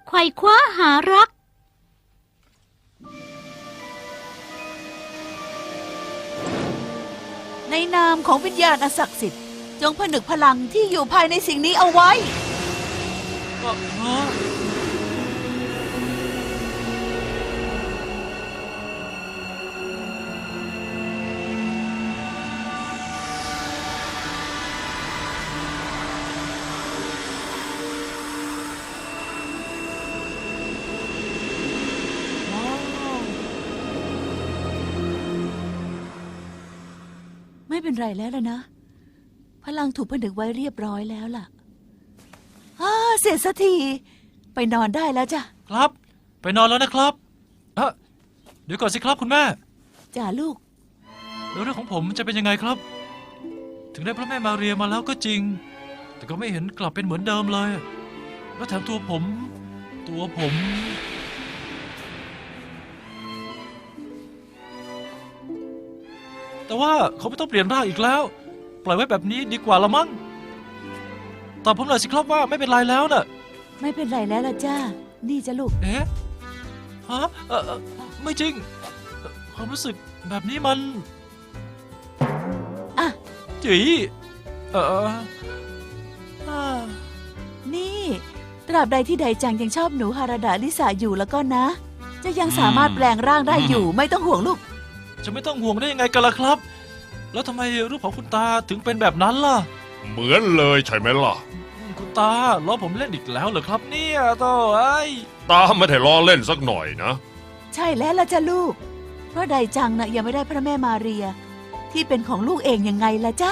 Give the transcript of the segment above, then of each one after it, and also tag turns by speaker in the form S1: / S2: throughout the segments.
S1: ไขว่คว้าหารัก
S2: ในนามของวิญญาณอันศักดิ์สิทธิ์จงผนึกพลังที่อยู่ภายในสิ่งนี้เอาไว้ ไม่เป็นไรแล้วล่ะนะ พลังถูกผนึกไว้เรียบร้อยแล้วล่ะเสร็จสักทีไปนอนได้แล้วจ้ะ
S3: ครับไปนอนแล้วนะครับเดี๋ยวก่อนสิครับคุณแม่
S2: จ้าลูก
S3: แล้วเรื่องของผมจะเป็นยังไงครับ ถึงได้พระแม่มาเรียมาแล้วก็จริงแต่ก็ไม่เห็นกลับเป็นเหมือนเดิมเลยแล้วแถมตัวผม แต่ว่าเขาไม่ต้องเปลี่ยนร่างอีกแล้วปล่อยไว้แบบนี้ดีกว่าละมั้งตอบผมหน่อยสิครับว่าไม่เป็นไรแล้วน่ะ
S2: ไม่เป็นไรแล้วล่ะจ้านี่จ้ะลูก
S3: เอ๊ะฮะไม่จริงความรู้สึกแบบนี้มันจี
S2: นี่ตราบใดที่ไดจังยังชอบหนูฮาราดะลิสาอยู่แล้วก็นะ จะยังสามารถแปลงร่างได้อยู่ไม่ต้องห่วงลูก
S3: จะไม่ต้องห่วงได้ยังไงกันล่ะครับแล้วทำไมรูปของคุณตาถึงเป็นแบบนั้นล่ะ
S4: เหมือนเลยใช่ไหมล่ะ
S3: คุณตาล้อผมเล่นอีกแล้วเหรอครับเนี่ยโต้
S4: ตาไม่ได้ล้อเล่นสักหน่อยนะ
S2: ใช่แล้วล่ะจ้ะลูกเพราะไดจังน่ะยังไม่ได้พระแม่มาเรียที่เป็นของลูกเองยังไงล่ะจ๊ะ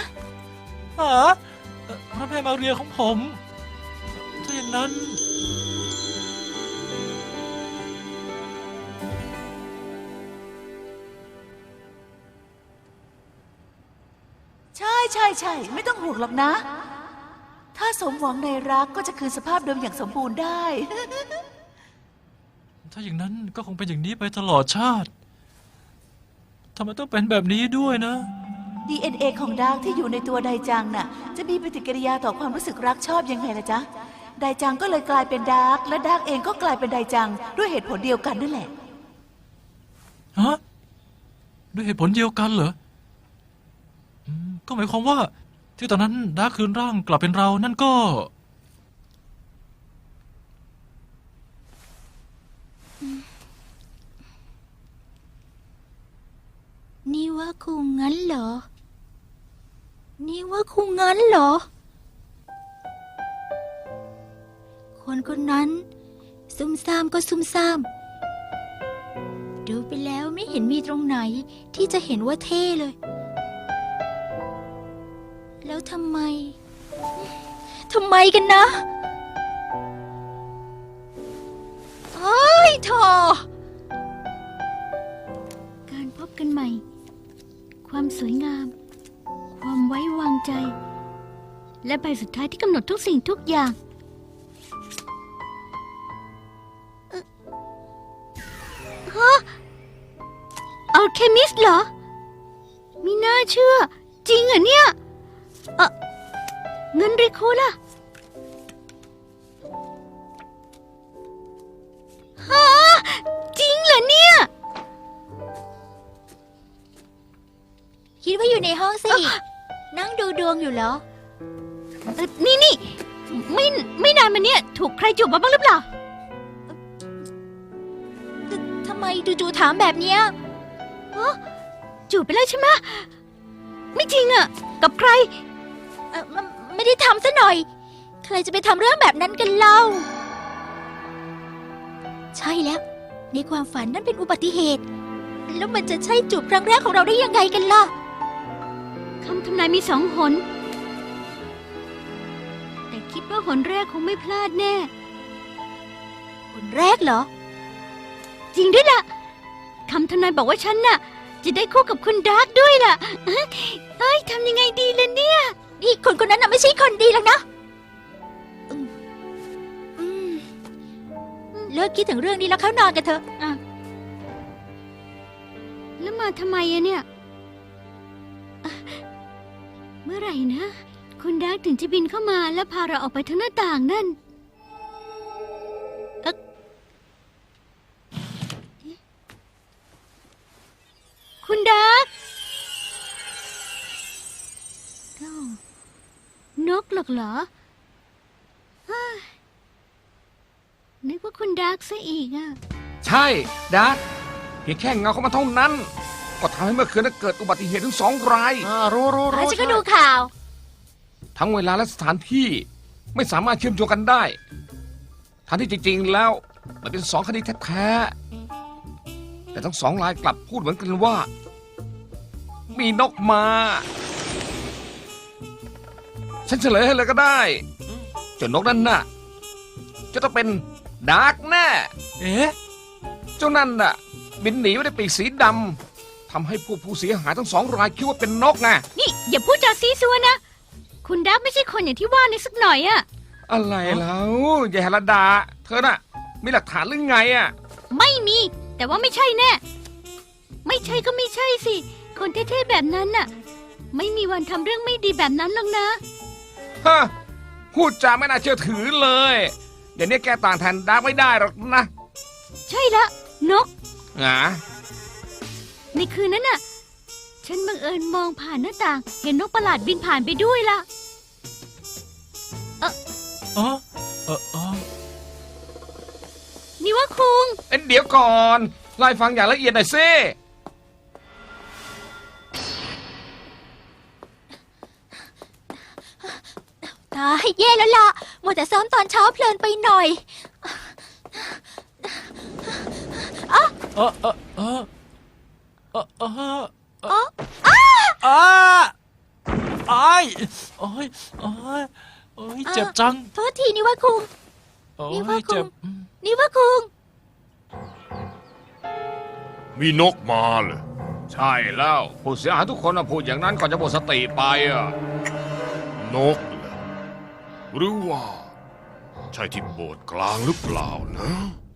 S3: พระแม่มาเรียของผมถ้าอย่างนั้น
S2: ใช่ไม่ต้องห่วงหรอกนะ ถ้าสมหวังในรักก็จะคืนสภาพเดิมอย่างสมบูรณ์ได้
S3: ถ้าอย่างนั้นก็คงเป็นอย่างนี้ไปตลอดชาติทำไมต้องเป็นแบบนี้ด้วยนะ
S2: DNA ของดาร์กที่อยู่ในตัวไดจังน่ะจะมีปฏิกิริยาต่อความรู้สึกรักชอบยังไงล่ะจ๊ะไดจังก็เลยกลายเป็นดาร์กและดาร์กเองก็กลายเป็นไดจังด้วยเหตุผลเดียวกันนั่นแหละ
S3: ด้วยเหตุผลเดียวกันเหรอก็หมายความว่าที่ตอนนั้นดาร์กคืนร่างกลับเป็นเรานั่นก็
S1: นี่ว่าคงงั้นเหรอคนคนนั้นซุ่มซ่ามก็ซุ่มซ่ามดูไปแล้วไม่เห็นมีตรงไหนที่จะเห็นว่าเท่เลยแล้วทำไมกันนะเฮ้ยโธ่การพบกันใหม่ความสวยงามความไว้วางใจและใบสุดท้ายที่กำหนดทุกสิ่งทุกอย่างอัลเคมิสต์เหรอไม่น่าเชื่อจริงเหรอเนี่ยเงินริโคล่ะฮะจริงเหรอเนี่ย
S5: คิดว่าอยู่ในห้องสินั่งดูดวงอยู่เหรอ
S1: นี่ไม่นานมาเนี่ยถูกใครจูบมาบ้างหรือเปล่า
S5: ทำไมจู่ๆถามแบบเนี้ย
S1: จูบไปแล้วใช่ไหมไม่จริงอะกับใคร
S5: ไม่ได้ทำซะหน่อยใครจะไปทำเรื่องแบบนั้นกันเล่าใช่แล้วในความฝันนั่นเป็นอุบัติเหตุแล้วมันจะใช่จูบครั้งแรกของเราได้ยังไงกันล่ะ
S1: คำทำนายมี2 หนแต่คิดว่าหนแรกคงไม่พลาดแน่
S5: หนแรกเหรอ
S1: จริงด้วยล่ะคำทำนายบอกว่าฉันน่ะจะได้คู่กับคุณดาร์กด้วยล่ะทำยังไงดีล่ะเนี่ย
S5: นี่คนคนนั้นน่ะไม่ใช่คนดีหรอกนะเลิกคิดถึงเรื่องนี้แล้วเข้านอนกันเถอะ
S1: แล้วมาทำไมอะเนี่ยเมื่อไหร่นะคุณดาร์กถึงจะบินเข้ามาแล้วพาเราออกไปทางหน้าต่างนั่นคุณดักเอ้านกหรอกเหรอฮ่านึกว่าคุณดักซะอีกอ่ะ
S6: ใช่ดักเพียงแค่เงาเข้ามาเท่านั้น ก็ทำให้เมื่อคืนนั้นเกิดอุบัติเหตุถึง2 ราย
S7: รู้
S5: ฉันก็ดูข่าว
S6: ทั้งเวลาและสถานที่ไม่สามารถเชื่อมโยงกันได้ทั้งที่จริงๆแล้วมันเป็น2 คดีแท้ๆแต่ทั้ง2 รายกลับพูดเหมือนกันว่า มีนกมา ฉันเฉลยให้เลยก็ได้เจ้านกนั่นน่ะจะต้องเป็นดาร์กแน่
S3: เอ๊ะ
S6: เจ้านั่นน่ะบินหนีไว้ในปีกสีดำทำให้ผู้เสียหายทั้ง2 รายคิดว่าเป็นนกไง
S1: นี่อย่าพูดจาซีซัวนะ คุณดักไม่ใช่คนอย่างที่ว่าในสักหน่อยอะ
S6: อะไรแล้วยายฮรดา เธอน่ะ มีหลักฐานหรือไงอ่ะ
S1: ไม่มี แต่ว่าไม่ใช่แน่ ไม่ใช่ก็ไม่ใช่สิ คนเท่ๆแบบนั้นน่ะ ไม่มีวันทำเรื่องไม่ดีแบบนั้นหรอกนะ
S6: ฮะ พูดจาไม่น่าเชื่อถือเลยเดี๋ยวนี้แกต่างแทนดาร์กไม่ได้หรอกนะ
S1: ใช่ละนก
S6: หงา
S1: ในคืนนั้นน่ะ ฉันบังเอิญมองผ่านหน้าต่าง เห็นนกประหลาดบินผ่านไปด้วยล่ะ
S3: อ๋อ
S1: นี่ว่าคุง
S6: เดี๋ยวก่อนไล่ฟังอย่างละเอียดหน่อยสิ
S5: ตายแย่แล้วล่ะมัวแต่ซ้อมตอนเช้าเพลินไปหน่อย
S3: เออเออเออเออเออเอออ้ายโอ้ยโอ้ยโอ้ยเจ็บจัง
S5: โทษทีนี่ว่าคุง
S3: โอ้
S5: นี่ว่า
S3: ย
S5: คุ
S3: เจ็บ
S5: ง นี่ว่าคุง
S4: มีนกมาเลย
S6: ใช่แล้วผู้เสียหายทุกคนน่ะพูดอย่างนั้นก่อนจะหมดสติไปอ่ะ
S4: นกเหรอหรือว่า ใช่ที่โบสถ์กลางหรือเปล่านะ